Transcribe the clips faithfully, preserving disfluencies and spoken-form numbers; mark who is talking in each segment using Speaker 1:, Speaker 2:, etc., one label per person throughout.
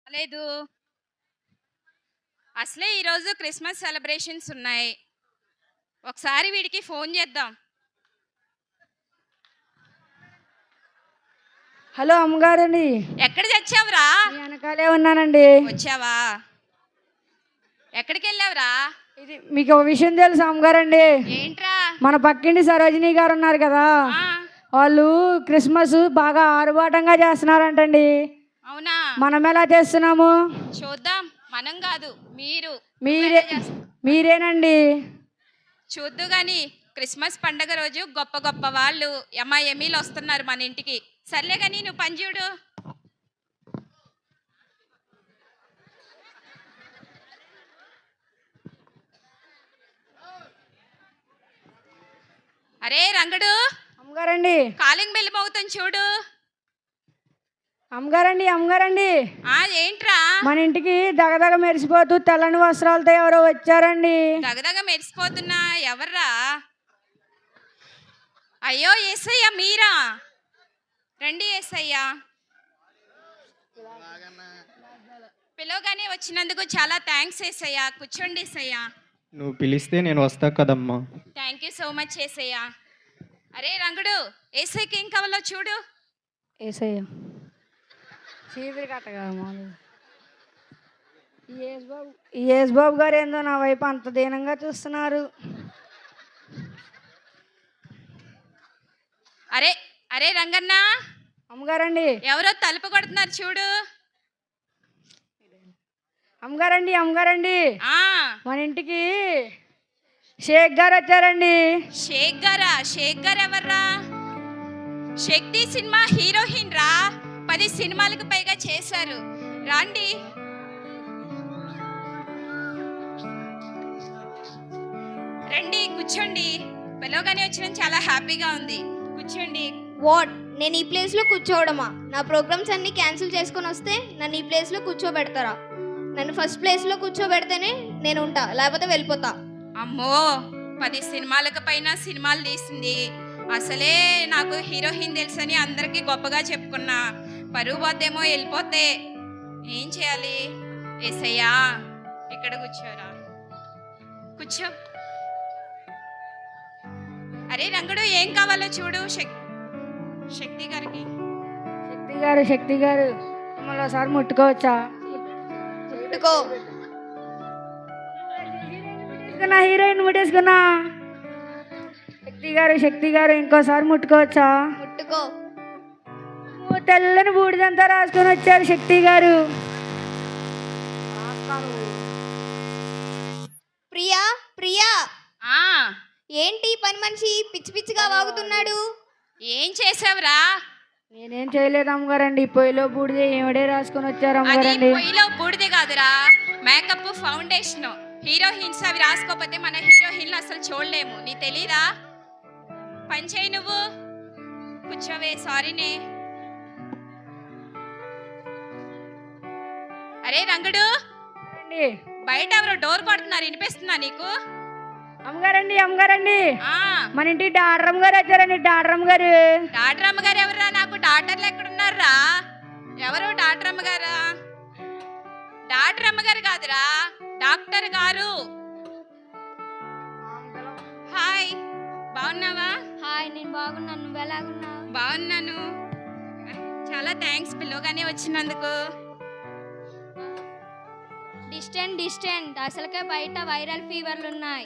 Speaker 1: లేదు. అసలే ఈరోజు క్రిస్మస్ సెలబ్రేషన్స్ ఉన్నాయి. ఒకసారి వీడికి ఫోన్ చేద్దాం.
Speaker 2: హలో అమ్మగారండి.
Speaker 1: ఎక్కడ చచ్చావురా?
Speaker 2: మీ వెనకాలే ఉన్నానండి.
Speaker 1: వచ్చావా? ఎక్కడికి వెళ్ళావురా?
Speaker 2: ఇది మీకు ఒక విషయం తెలుసు అమ్మగారండి.
Speaker 1: ఏంట్రా?
Speaker 2: మన పక్కింటి సరోజిని గారు ఉన్నారు కదా,
Speaker 1: ఆ,
Speaker 2: వాళ్ళు క్రిస్మస్ బాగా ఆరుబాటంగా చేస్తున్నారంటండి.
Speaker 1: అవునా?
Speaker 2: మనం ఎలా చేస్తున్నాము?
Speaker 1: చూద్దాం. మనం కాదు, మీరు.
Speaker 2: మీరే మీరేనండి.
Speaker 1: చూద్దు గాని క్రిస్మస్ పండగ రోజు గొప్ప గొప్ప వాళ్ళు అమ్మ ఎమీలు వస్తున్నారు మన ఇంటికి. సర్లే గాని నువ్వు పని చూడు. అరే రంగడు,
Speaker 2: అమ్మగారండి.
Speaker 1: కాలింగ్ బెల్ మోగుతుంది చూడు.
Speaker 2: అమ్మగారండి అమ్మగారండి
Speaker 1: ఆ ఏంట్రా?
Speaker 2: మన ఇంటికి దగదగ మెరిసిపోతూ తెల్లని వస్త్రాలతో ఎవరో వచ్చారండి.
Speaker 1: దగదగ మెరిసిపోతున్నా ఎవర్రా? అయ్యో ఏసయ్య మీరా? రండి ఏసయ్య. పిలవగానే వచ్చినందుకు చాలా థ్యాంక్స్ ఏసయ్య. కూర్చోండి ఏసయ్య.
Speaker 3: నువ్వు పిలిస్తే నేను వస్తా కదమ్మా.
Speaker 1: Thank you so much Yesayya. అరే రంగుడు, ఏసైకి ఏం కావాలో చూడు.
Speaker 2: ఏసయ్య చీపురు కట్టగా ఈ యేసు బాబు గారు ఏందో నా వైపు అంత దీనంగా చూస్తున్నారు.
Speaker 1: అరే అరే రంగన్న,
Speaker 2: అమ్మగారండి
Speaker 1: ఎవరో తలుపు కొడుతున్నారు చూడు.
Speaker 2: అమ్మగారండి అమ్మగారండి
Speaker 1: ఆ
Speaker 2: మన ఇంటికి షేక్ గారు వచ్చారండి.
Speaker 1: షేక్ గారా? షేక్ గారు ఎవర్రా? శక్తి సినిమా హీరోయిన్ రా. పది సినిమాలకు పైగా చేశారు. రాండి. రండి కూర్చోండి. పిలవగానే వచ్చిన చాలా హ్యాపీగా ఉంది. కూర్చోండి.
Speaker 4: వాట్? నేను ఈ ప్లేస్లో కూర్చోవడమా? నా ప్రోగ్రామ్స్ అన్నీ క్యాన్సిల్ చేసుకొని వస్తే నన్ను ఈ ప్లేస్లో కూర్చోబెడతారా? నన్ను ఫస్ట్ ప్లేస్లో కూర్చోబెడితేనే నేను ఉంటా, లేకపోతే వెళ్ళిపోతా.
Speaker 1: అమ్మో, పది సినిమాలకు పైన సినిమాలు తీసింది. అసలే నాకు హీరోయిన్ తెలుసని అందరికీ గొప్పగా చెప్పుకున్నా. పరువు పోతేమో వెళ్ళిపోతే ఏం చేయాలి? ఏసయ్యా ఇక్కడ కూర్చోరా. కూర్చో. అరే రంగుడు, ఏం కావాలో చూడు. శక్తి గారికి.
Speaker 2: శక్తి గారు శక్తి గారు మిమ్మల్ని ఒకసారి ముట్టుకోవచ్చా?
Speaker 4: ముట్టుకో.
Speaker 2: హీరోయిన్ ముట్టేసుకున్నా. శక్తి గారు శక్తి గారు ఇంకోసారి ముట్టుకోవచ్చా?
Speaker 4: ముట్టుకో.
Speaker 2: తెల్లని బూడిదంతా రాసుకొని వచ్చారు శక్తి గారు.
Speaker 4: ప్రియా ప్రియా,
Speaker 1: ఆ
Speaker 4: ఏంటి పని మనిషి పిచ్చి పిచ్చిగా వాగుతున్నాడు?
Speaker 1: ఏం చేసావురా?
Speaker 2: నేనేం చేయలేదు అమ్మగారండి. పొయ్యిలో బూడిదే ఏమిడే రాసుకొని వచ్చారు
Speaker 1: అది
Speaker 2: అమ్మగారండి.
Speaker 1: పొయ్యిలో బూడిదే కాదురా, మేకప్ ఫౌండేషన్. హీరోయిన్స్ అవి రాసుకోకపోతే మన హీరోయిన్లు అసలు చూడలేము. నీ తెలీదా? పని చేయి నువ్వు. కూర్చోవే. సారీనే. అరే రంగుడు, బయట ఎవరో డోర్ కొడుతున్నారు, వినిపిస్తుందా నీకు?
Speaker 2: అమ్మగారండి అమ్మగారండి
Speaker 1: ఆ
Speaker 2: మన ఇంటి డాక్టరమ్మ గారు వచ్చారండి. డాక్టరమ్మ గారు.
Speaker 1: డాక్టర్ అమ్మగారు ఎవరా? నాకు డాక్టర్లు ఎక్కడున్నారా? ఎవరు డాక్టర్ అమ్మగారా? డాక్టర్ అమ్మగారు కాదురా, డాక్టర్ గారు. హాయ్, బాగున్నావా?
Speaker 4: హాయ్, నేను బాగున్నాను. నువ్వు ఎలాగున్నావు?
Speaker 1: బాగున్నాను. చాలా థ్యాంక్స్ పిల్లగానే వచ్చినందుకు.
Speaker 4: డిస్టెంట్ డిస్టెంట్ అసలుకే బయట వైరల్ ఫీవర్లు ఉన్నాయి.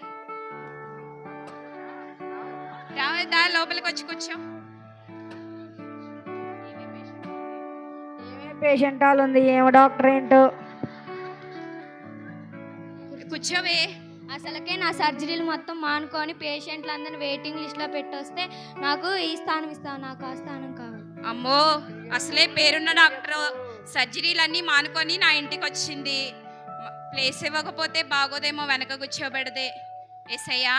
Speaker 1: రావద్దా, లోపలికి వచ్చి కూర్చో.
Speaker 2: ఏమే పేషెంట్ హాల్ ఉంది, ఏమో డాక్టర్ ఏంటో.
Speaker 1: కూర్చోవే.
Speaker 4: అసలుకే నా సర్జరీలు మొత్తం మానుకొని పేషెంట్లందరినీ వెయిటింగ్ లిస్ట్లో పెట్టొస్తే నాకు ఈ స్థానం ఇస్తావు, నాకు ఆ స్థానం కావాలి.
Speaker 1: అమ్మో, అసలే పేరున్న డాక్టర్ సర్జరీలన్నీ మానుకొని నా ఇంటికి వచ్చింది. ప్లేస్ ఇవ్వకపోతే బాగోదేమో, వెనక కూర్చోబెడదే. ఏసయ్యా.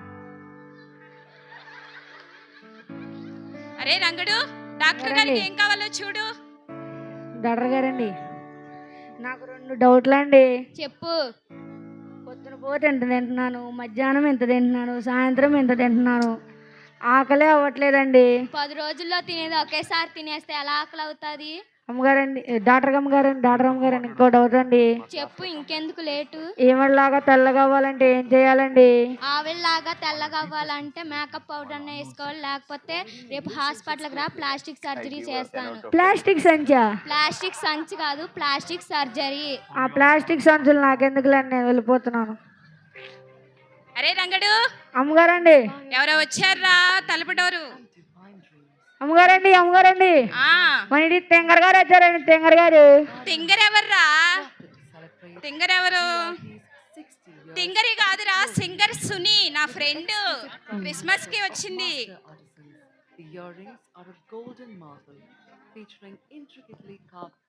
Speaker 1: అరే రంగడు, డాక్టర్ గారికి ఏం కావాలో చూడు.
Speaker 2: డాక్టర్ గారండి, నాకు రెండు డౌట్లు అండి.
Speaker 4: చెప్పు.
Speaker 2: పొద్దున పూట ఎంత తింటున్నాను, మధ్యాహ్నం ఎంత తింటున్నాను, సాయంత్రం ఎంత తింటున్నాను, ఆకలే అవ్వట్లేదండి.
Speaker 4: పది రోజుల్లో తినేది ఒకేసారి తినేస్తే ఎలా ఆకలి అవుతుంది?
Speaker 2: అమ్మగారండి డాక్టర్ అమ్మగారండి డాక్టర్ అమ్మగారండి ఇంకో డౌట్ అండి.
Speaker 5: చెప్పు, ఇంకెందుకు లేటు?
Speaker 2: ఏమలాగా తెల్లగా అవ్వాలంటే ఏం చేయాలండి?
Speaker 5: ఆవిడలాగా తెల్లగా అవ్వాలంటే మేకప్ పౌడర్ అన్న వేసుకోవాలి, లేకపోతే రేపు హాస్పిటల్కి రా, ప్లాస్టిక్ సర్జరీ చేస్తాను.
Speaker 2: ప్లాస్టిక్ సంచా?
Speaker 5: ప్లాస్టిక్ సంచి కాదు, ప్లాస్టిక్ సర్జరీ.
Speaker 2: ఆ ప్లాస్టిక్ సంచులు నాకెందుకులేండి, నేను వెళ్ళిపోతున్నాను.
Speaker 1: అరే రంగడు,
Speaker 2: అమ్మగారండి
Speaker 1: ఎవరో వచ్చారా తలుపు డోరు.
Speaker 2: అమ్మగారండి అమ్మగారండి
Speaker 1: ఆ
Speaker 2: మన ఇంటి తెంగర్ గారు వచ్చారండి. తెంగర్ గారు.
Speaker 1: తింగరెవర్రా? తింగరెవరు? తింగరి కాదురా, సింగర్ సునీ, నా ఫ్రెండ్. క్రిస్మస్ కి వచ్చింది.
Speaker 6: The earrings are of golden marble, featuring intricately carved.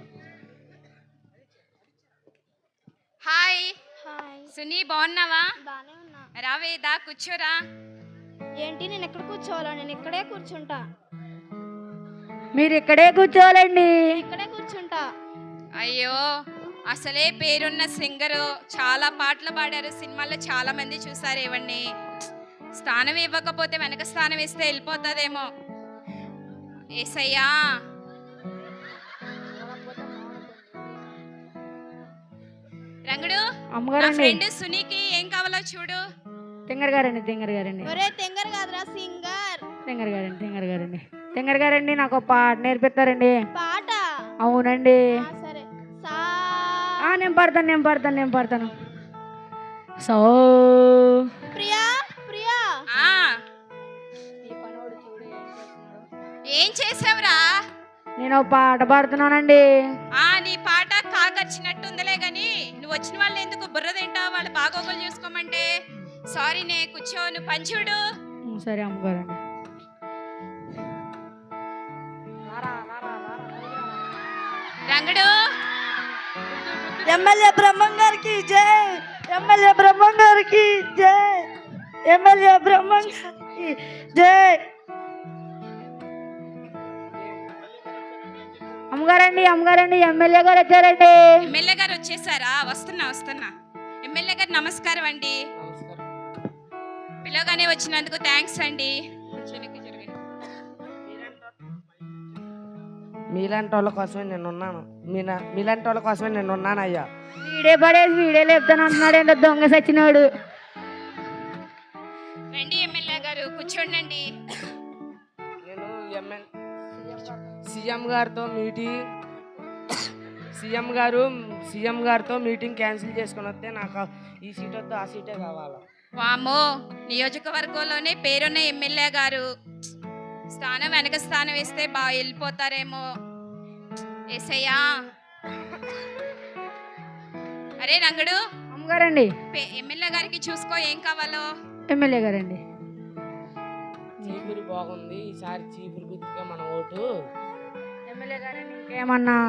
Speaker 1: Hi
Speaker 4: hi,
Speaker 1: Suni, బాగున్నావా?
Speaker 4: బాగానే ఉన్నా.
Speaker 1: రావేదా, కూర్చోరా.
Speaker 4: ఏంటి, నేను ఎక్కడ కూర్చోవాలా? నేను ఇక్కడే కూర్చుంటా.
Speaker 2: మీరు ఇక్కడే కూర్చోవాలండి.
Speaker 4: ఇక్కడే కూర్చుంటా.
Speaker 1: అయ్యో, అసలే పేరున్న సింగరు, చాలా పాటలు పాడారు, సినిమాల్లో చాలా మంది చూసారు. ఇవన్నీ స్థానం ఇవ్వకపోతే వెనక స్థానం ఇస్తే వెళ్ళిపోతుందేమో. ఏసయ్యా, రంగడు, నా
Speaker 2: అమ్మగారండి
Speaker 1: ఫ్రెండ్ సునీకి ఏం కావాలో చూడు.
Speaker 2: తెంగర్ గారండి తెంగర్ గారండి
Speaker 4: ఒరే తెంగర్ కాదురా, సింగర్.
Speaker 2: తెంగర్ గారండి తెంగర్ గారండి తెంగర్ గారండి నాకు ఒక పాట నేర్పిస్తారండి?
Speaker 4: పాట?
Speaker 2: అవునండి.
Speaker 4: ఆ, సరే. సా
Speaker 2: ఆ, నేను పాడతాను నేను పాడతాను నేను పాడతాను సో
Speaker 4: ప్రియా ప్రియా.
Speaker 1: ఆ ఏం చేసావురా?
Speaker 2: నేను ఒక పాట పాడుతున్నానండి.
Speaker 1: ఆ నీ పాట కాకచ్చినట్టుందిలే గాని, నువ్వు వచ్చిన వాళ్ళు ఎందుకు బుర్ర తింటావు? వాళ్ళు బాగోగులు చూసుకోమంటే. సారీ నే, కూర్చో, నువ్వు పంచుడు.
Speaker 2: ఉమ్, సరే అమ్మగారండి.
Speaker 1: రంగడు,
Speaker 2: ఎమ్మెల్యే బ్రహ్మం గారికి జై. ఎమ్మెల్యే బ్రహ్మం గారికి జై. ఎమ్మెల్యే బ్రహ్మం గారికి జై. అమ్మగారండి అమ్మగారండి ఎమ్మెల్యే గారు వచ్చారండి.
Speaker 1: ఎమ్మెల్యే గారు వచ్చేసారా? వస్తున్నా వస్తున్నా. ఎమ్మెల్యే గారు నమస్కారం అండి. పిలవగానే వచ్చినందుకు థ్యాంక్స్ అండి. వెనక్కి జరగండి.
Speaker 7: మీలాంటి వాళ్ళ కోసమే నేను ఉన్నాను. మీనా మీలాంటి వాళ్ళ కోసమే నేను ఉన్నాను అయ్యా.
Speaker 2: వీడే పడేసి వీడే లేపుతాను అంటున్నాడు ఏంటో దొంగ సచ్చినోడు.
Speaker 1: రండి ఎమ్మెల్యే గారు, కూర్చోండి.
Speaker 7: నేను ఎంఎన్ సీఎం గారితో మీటింగ్ సీఎం గారు సీఎం గారితో మీటింగ్ క్యాన్సిల్ చేసుకుని వస్తే నాకు ఈ సీట్ వద్దు, ఆ సీటే కావాలా.
Speaker 1: వామో, నియోజకవర్గంలోనే పేరున్న ఎమ్మెల్యే గారు, స్థానం వెనక స్థానం వేస్తే బాగా వెళ్ళిపోతారేమో. ఏసయ్యా. అరే రంగడు,
Speaker 2: అమ్మగారండి
Speaker 1: పే- ఎమ్మెల్యే గారికి చూసుకో ఏం కావాలో.
Speaker 2: ఎమ్మెల్యే గారండి.
Speaker 7: చీపురు బాగుంది, ఈసారి చీపురు గుర్తుగా మన ఓటు.
Speaker 2: ఎమ్మెల్యే గారండి ఇంకేమన్నా?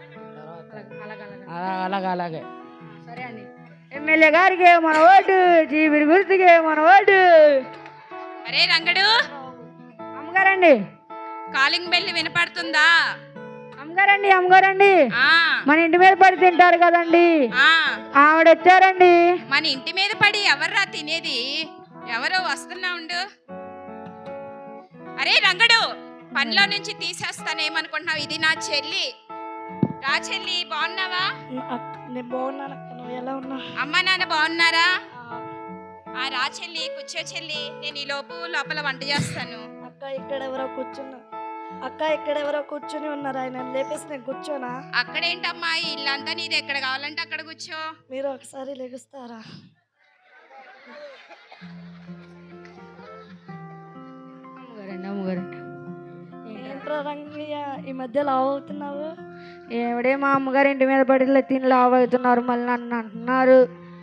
Speaker 7: అలా అలాగే అలాగే
Speaker 2: సరే అండి. ఎమ్మెల్యే గారికి మన ఓటు, జీవిరి గుర్తుకే మన ఓటు.
Speaker 1: అరే రంగడు,
Speaker 2: అమ్మగారండి
Speaker 1: కాలింగ్ బెల్ వినపడుతుందా?
Speaker 2: అమ్మగారండి అమ్మగారండి
Speaker 1: ఆ
Speaker 2: మన ఇంటి మీద పడి తింటారు కదండి,
Speaker 1: ఆ
Speaker 2: ఆవిడ వచ్చారండి.
Speaker 1: మన ఇంటి మీద పడి ఎవర్రా తినేది? ఎవరో వస్తున్నా ఉండు. అరే రంగడు, పనిలో నుంచి తీసేస్తానేమనుకుంటున్నావు? ఇది నా చెల్లి. రా చెల్లి, బాగున్నావా?
Speaker 2: నేను బాగున్నాను. నువ్వు ఎలా ఉన్నా?
Speaker 1: అమ్మ నాన్న బాగున్నారా? ఆ రా చెల్లి, కూర్చో చెల్లి. నేను ఈ లోపు లోపల వంట చేస్తాను.
Speaker 8: అక్క ఇక్కడ ఎవరో కూర్చున్నా అక్క ఇక్కడ ఎవరో కూర్చుని ఉన్నారు, ఆయన లేపేసి నేను కూర్చోనా?
Speaker 1: అక్కడేంటమ్మా, ఈ ఇల్లంతా నీది, ఎక్కడ కావాలంటే అక్కడ కూర్చో.
Speaker 8: మీరు ఒకసారి లెగుస్తారా?
Speaker 2: అమ్మగారండి అమ్మగారండి
Speaker 8: ఏంట్రా రంగయ్య ఈ మధ్య లావు అవుతున్నావు?
Speaker 2: ఏమిడే మా అమ్మగారు ఇంటి మీద పడి ఇలా తిని లావు అవుతున్నారు, మళ్ళీ నన్ను అంటున్నారు.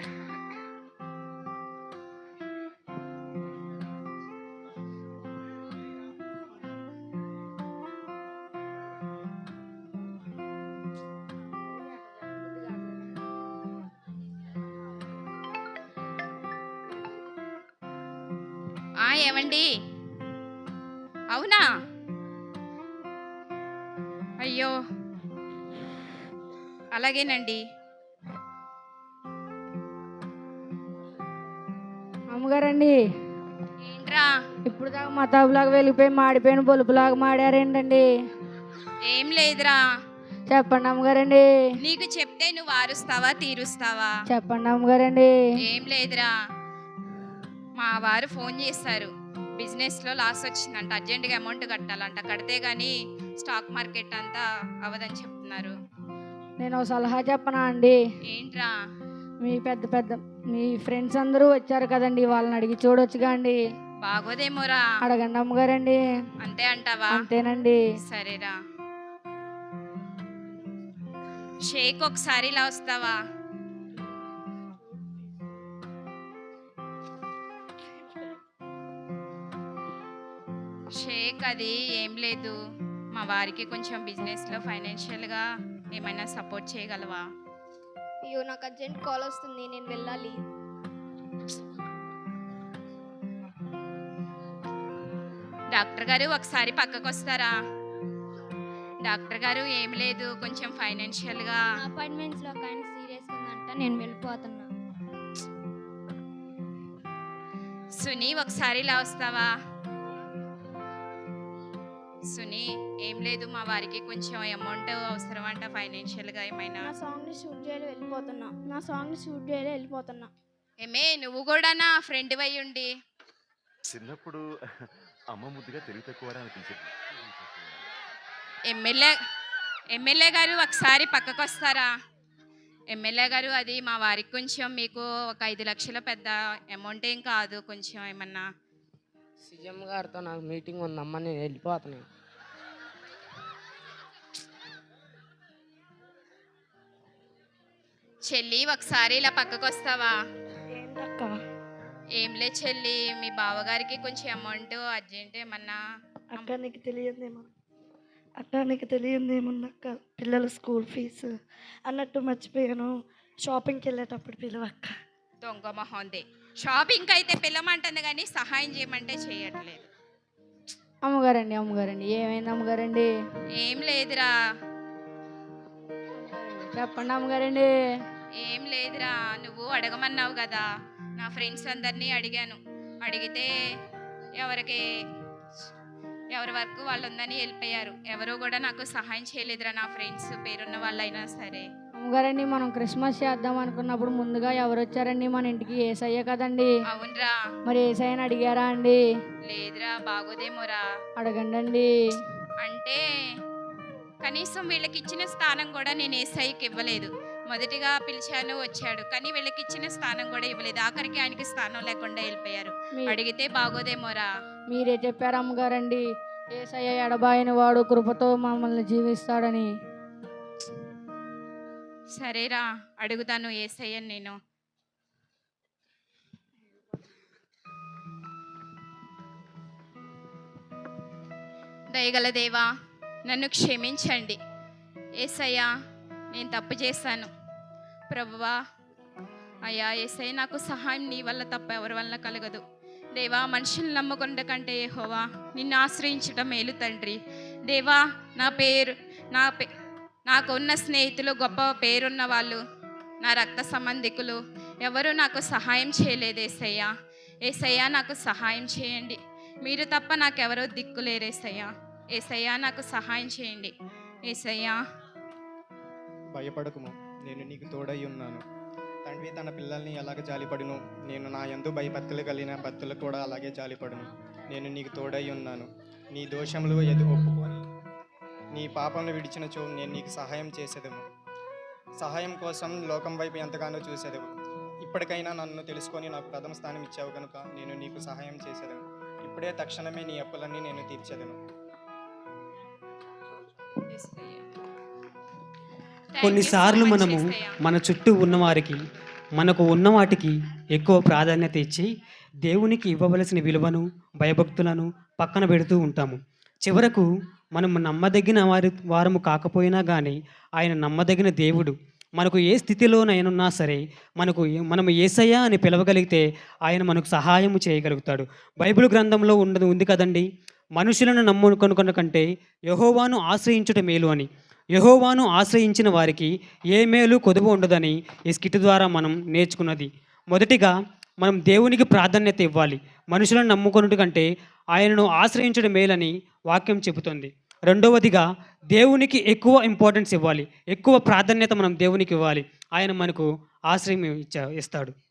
Speaker 1: ఆ ఏమండి, అవునా? అయ్యో, అలాగేనండి.
Speaker 2: అమ్మగారండి
Speaker 1: ఏంట్రా?
Speaker 2: ఇప్పుడు దాకా మతాబులాగా వెళ్ళిపోయి మాడిపోయిన బొలుపులాగా మాడారేంటండి?
Speaker 1: ఏం లేదురా.
Speaker 2: చెప్పండి అమ్మగారండి.
Speaker 1: నీకు చెప్తే నువ్వు ఆరుస్తావా తీరుస్తావా?
Speaker 2: చెప్పండి అమ్మగారండి.
Speaker 1: ఏం లేదురా, మా వారు ఫోన్ చేశారు, బిజినెస్లో లాస్ వచ్చిందంట, అర్జెంటుగా అమౌంట్ కట్టాలంట, కడితే కానీ స్టాక్ మార్కెట్ అంతా అవదని చెప్తున్నారు.
Speaker 2: నేను ఒక సలహా చెప్పనా అండి?
Speaker 1: ఏంట్రా?
Speaker 2: మీ పెద్ద పెద్ద మీ ఫ్రెండ్స్ అందరూ వచ్చారు కదండి, వాళ్ళని అడిగి చూడొచ్చుగా అండి.
Speaker 1: బాగోదేమోరా.
Speaker 2: అడగండి అమ్మగారండి.
Speaker 1: అంతే అంటావా?
Speaker 2: అంతేనండి.
Speaker 1: సరేరా. షేక్ ఒకసారి ఇలా వస్తావా? షేక్ అది ఏం లేదు, మా వారికి కొంచెం బిజినెస్లో ఫైనాన్షియల్గా ఏమైనా సపోర్ట్ చేయగలవా?
Speaker 4: అయ్యో నాకు అర్జెంట్ కాల్ వస్తుంది, నేను వెళ్ళాలి.
Speaker 1: డాక్టర్ గారు ఒకసారి పక్కకు వస్తారా? డాక్టర్ గారు ఏం లేదు, కొంచెం ఫైనాన్షియల్గా.
Speaker 5: అపార్ట్మెంట్స్లో ఒక ఆయన సీరియస్గా ఉందంట, నేను వెళ్ళిపోతున్నా.
Speaker 1: సునీ ఒకసారి ఇలా వస్తావా? సునీ ఏం లేదు, మా వారికి కొంచెం అమౌంట్ అవసరం అంట, ఫైనాన్షియల్గా ఏమైనా.
Speaker 9: నా సాంగ్ని షూట్ చేయాలి వెళ్ళిపోతున్నా నా సాంగ్ని షూట్ చేయాలి వెళ్ళిపోతున్నా
Speaker 1: ఏమే నువ్వు కూడా నా ఫ్రెండ్ అయి ఉండి.
Speaker 10: చిన్నప్పుడు అమ్మ ముద్దుగా తెలివి తక్కువ అనిపించింది.
Speaker 1: ఎమ్మెల్యే ఎమ్మెల్యే గారు ఒకసారి పక్కకు వస్తారా? ఎమ్మెల్యే గారు అది మా వారికి కొంచెం, మీకు ఒక ఐదు లక్షల పెద్ద అమౌంట్ ఏం కాదు, కొంచెం ఏమన్నా.
Speaker 7: సీఎం గారితో నాకు మీటింగ్ ఉందమ్మా, నేను వెళ్ళిపోతున్నాను.
Speaker 1: చెల్లి ఒకసారి ఇలా పక్కకు వస్తావా?
Speaker 8: ఏంటక్క?
Speaker 1: ఏం లే చెల్లి, మీ బావగారికి కొంచెం అమౌంట్ అర్జెంట్ ఏమన్నా.
Speaker 8: అక్క నీకు తెలియదేమో అక్క నీకు తెలియదేముందక్క, పిల్లల స్కూల్ ఫీజు అన్నట్టు మర్చిపోయాను, షాపింగ్కి వెళ్ళేటప్పుడు పిలువక్క.
Speaker 1: దొంగ మొహంది, షాపింగ్ అయితే పిల్లమంటుంది కానీ సహాయం చేయమంటే చేయట్లేదు.
Speaker 2: అమ్మగారండి అమ్మగారండి ఏమైంది అమ్మగారండి?
Speaker 1: ఏం లేదురా.
Speaker 2: చెప్పండి అమ్మగారండి.
Speaker 1: ఏం లేదురా, నువ్వు అడగమన్నావు కదా, నా ఫ్రెండ్స్ అందరినీ అడిగాను, అడిగితే ఎవరికి ఎవరి వరకు వాళ్ళు ఉందని వెళ్ళిపోయారు, ఎవరు కూడా నాకు సహాయం చేయలేదురా, నా ఫ్రెండ్స్ పేరున్న వాళ్ళైనా సరే.
Speaker 2: అమ్మగారండి మనం క్రిస్మస్ చేద్దాం అనుకున్నప్పుడు ముందుగా ఎవరు వచ్చారండి మన ఇంటికి? ఏసయ్య కదండి.
Speaker 1: అవునరా.
Speaker 2: మరి ఏసయ్యని అడిగారా అండి?
Speaker 1: లేదురా, బాగోదేమోరా.
Speaker 2: అడగండి.
Speaker 1: అంటే కనీసం వీళ్ళకి ఇచ్చిన స్థానం కూడా నేను ఏసైకి ఇవ్వలేదు. మొదటిగా పిలిచాను, వచ్చాడు, కానీ వీళ్ళకి ఇచ్చిన స్థానం కూడా ఇవ్వలేదు, ఆఖరికి ఆయనకి స్థానం లేకుండా వెళ్ళిపోయారు. అడిగితే బాగోదేమోరా.
Speaker 2: మీరే చెప్పారు అమ్మగారండి, ఏసయ్య ఎడబాయిన వాడు కృపతో మమ్మల్ని జీవిస్తాడని.
Speaker 1: సరేరా, అడుగుతాను ఏసయ్యని నేను. దయగల దేవా, నన్ను క్షమించండి ఏసయ్యా, నేను తప్పు చేశాను ప్రభువా. అయ్యా ఏసయ్య, నాకు సహాయం నీ వల్ల తప్ప ఎవరి వల్ల కలగదు దేవా. మనుషులను నమ్ముకున్న కంటే యెహోవా నిన్ను ఆశ్రయించడం మేలు తండ్రి. దేవా, నా పేరు నా పే నాకు ఉన్న స్నేహితులు, గొప్ప పేరున్న వాళ్ళు, నా రక్త సంబంధికులు ఎవరు నాకు సహాయం చేయలేదు ఏసయ్యా. ఏసయ్యా, నాకు సహాయం చేయండి, మీరు తప్ప నాకెవరో దిక్కులేరు ఏసయ్యా. ఏసయ్యా, నాకు సహాయం చేయండి ఏసయ్యా.
Speaker 3: భయపడకుము, నేను నీకు తోడై ఉన్నాను. తండ్రి తన పిల్లల్ని ఎలాగ జాలిపడును, నేను నా యందు భయభక్తులు కలిగిన భక్తులు కూడా అలాగే జాలిపడును. నేను నీకు తోడై ఉన్నాను. నీ దోషములు ఎదు ఒప్పుకొని నీ పాపములు విడిచినచో నేను నీకు సహాయం చేసేదము. సహాయం కోసం లోకం వైపు ఎంతగానో చూసేదము. ఇప్పటికైనా నన్ను తెలుసుకొని నాకు ప్రథమ స్థానం ఇచ్చావు కనుక నేను నీకు సహాయం చేసేదను. ఇప్పుడే తక్షణమే నీ అప్పులన్నీ నేను తీర్చేదను.
Speaker 11: కొన్నిసార్లు మనము మన చుట్టూ ఉన్నవారికి, మనకు ఉన్న వాటికి ఎక్కువ ప్రాధాన్యత ఇచ్చి దేవునికి ఇవ్వవలసిన విలువను, భయభక్తులను పక్కన పెడుతూ ఉంటాము. చివరకు మనం నమ్మదగిన వారి వారము కాకపోయినా కానీ ఆయన నమ్మదగిన దేవుడు. మనకు ఏ స్థితిలోనైనా సరే మనకు మనం యేసయ్య అని పిలవగలిగితే ఆయన మనకు సహాయము చేయగలుగుతాడు. బైబిల్ గ్రంథంలో ఉన్నది ఉంది కదండి, మనుషులను నమ్ముకొనుకొన కంటే యెహోవాను ఆశ్రయించుట మేలు అని. యెహోవాను ఆశ్రయించిన వారికి ఏ మేలు కొదువు ఉండదని ఈ స్కిట్ ద్వారా మనం నేర్చుకున్నది. మొదటిగా మనం దేవునికి ప్రాధాన్యత ఇవ్వాలి. మనుషులను నమ్ముకొనుట కంటే ఆయనను ఆశ్రయించడం మేలని వాక్యం చెబుతుంది. రెండవదిగా దేవునికి ఎక్కువ ఇంపార్టెన్స్ ఇవ్వాలి, ఎక్కువ ప్రాధాన్యత మనం దేవునికి ఇవ్వాలి. ఆయన మనకు ఆశ్రయం ఇచ్చా ఇస్తాడు.